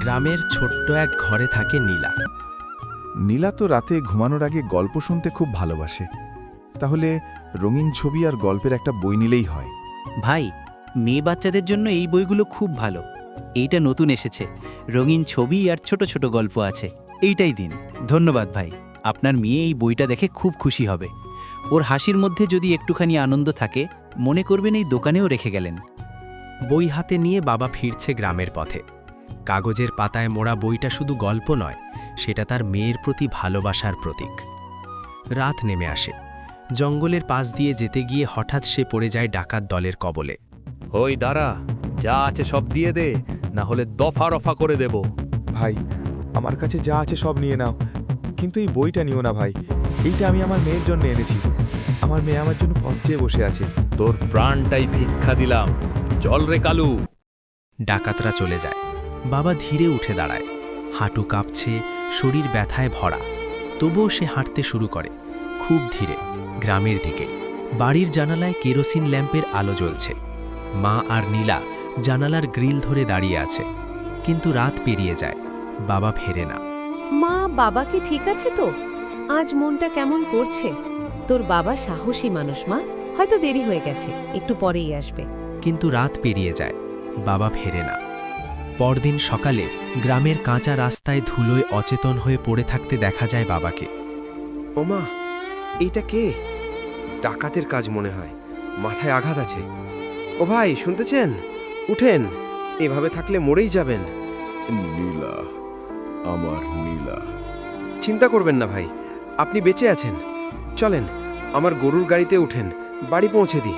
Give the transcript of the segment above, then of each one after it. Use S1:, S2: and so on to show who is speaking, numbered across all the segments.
S1: গ্রামের ছোট্ট এক ঘরে থাকে নীলা।
S2: নীলা তো রাতে ঘুমানোর আগে গল্প শুনতে খুব ভালোবাসে। তাহলে রঙিন ছবি আর গল্পের একটা বই নিলেই হয়।
S3: ভাই, মেয়ে বাচ্চাদের জন্য এই বইগুলো খুব ভালো। এইটা নতুন এসেছে, রঙিন ছবি আর ছোট ছোট গল্প আছে। এইটাই দিন। ধন্যবাদ ভাই, আপনার মেয়ে এই বইটা দেখে খুব খুশি হবে। ওর হাসির মধ্যে যদি একটুখানি আনন্দ থাকে, মনে করবেন এই দোকানেও রেখে গেলেন।
S1: বই হাতে নিয়ে বাবা ফিরছে গ্রামের পথে। কাগজের পাতায় মোড়া বইটা শুধু গল্প নয়, সেটা তার মেয়ের প্রতি ভালোবাসার প্রতীক। রাত নেমে আসে। জঙ্গলের পাশ দিয়ে যেতে গিয়ে হঠাৎ সে পড়ে যায় ডাকাত দলের কবলে।
S4: ওই দাঁড়া, যা আছে সব দিয়ে দে, না হলে দফা রফা করে দেব।
S5: ভাই, আমার কাছে যা আছে সব নিয়ে নাও, কিন্তু এই বইটা নিও না ভাই। এইটা আমি আমার মেয়ের জন্য এনেছি। আমার মেয়ে আমার জন্য পথ চেয়ে বসে আছে।
S4: তোর প্রাণটাই ভিক্ষা দিলাম, চল রে কালু।
S1: ডাকাতরা চলে যায়। বাবা ধীরে উঠে দাঁড়ায়। হাঁটু কাঁপছে, শরীর ব্যথায় ভরা। তবুও সে হাঁটতে শুরু করে, খুব ধীরে, গ্রামের দিকে। বাড়ির জানালায় কেরোসিন ল্যাম্পের আলো জ্বলছে। মা আর নীলা জানালার গ্রিল ধরে দাঁড়িয়ে আছে। কিন্তু রাত পেরিয়ে যায়, বাবা ফেরে না।
S6: মা, বাবা কি ঠিক আছে তো? আজ মনটা কেমন করছে। তোর বাবা সাহসী মানুষ মা, হয়তো দেরি হয়ে গেছে, একটু পরেই আসবে।
S1: কিন্তু রাত পেরিয়ে যায়, বাবা ফেরে না। পরদিন সকালে গ্রামের কাঁচা রাস্তায় ধুলোয় অচেতন হয়ে পড়ে থাকতে দেখা যায় বাবাকে।
S7: ওমা, এইটা কে? ডাকাতের কাজ মনে হয়, মাথায় আঘাত আছে। ও ভাই, শুনতেছেন? উঠেন, এভাবে থাকলে মরেই যাবেন।
S2: নীলা, আমার নীলা।
S7: চিন্তা করবেন না ভাই, আপনি বেঁচে আছেন। চলেন, আমার গরুর গাড়িতে উঠেন, বাড়ি পৌঁছে দিই।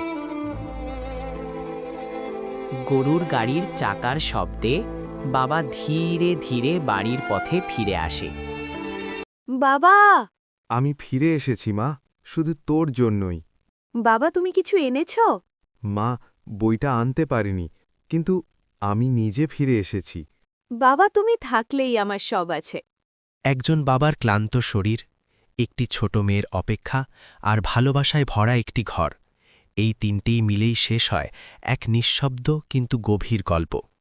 S3: গরুর গাড়ির চাকার শব্দে বাবা ধীরে ধীরে বাড়ির পথে ফিরে আসে।
S6: বাবা!
S5: আমি ফিরে এসেছি মা, শুধু তোর জন্যই।
S6: বাবা, তুমি কিছু এনেছো?
S5: মা, বইটা আনতে পারিনি, কিন্তু আমি নিজে ফিরে এসেছি।
S6: বাবা, তুমি থাকলেই আমার সব আছে।
S1: একজন বাবার ক্লান্ত শরীর, একটি ছোট মেয়ের অপেক্ষা আর ভালোবাসায় ভরা একটি ঘর, এই তিনটেই মিলেই শেষ হয় এক নিঃশব্দ কিন্তু গভীর গল্প।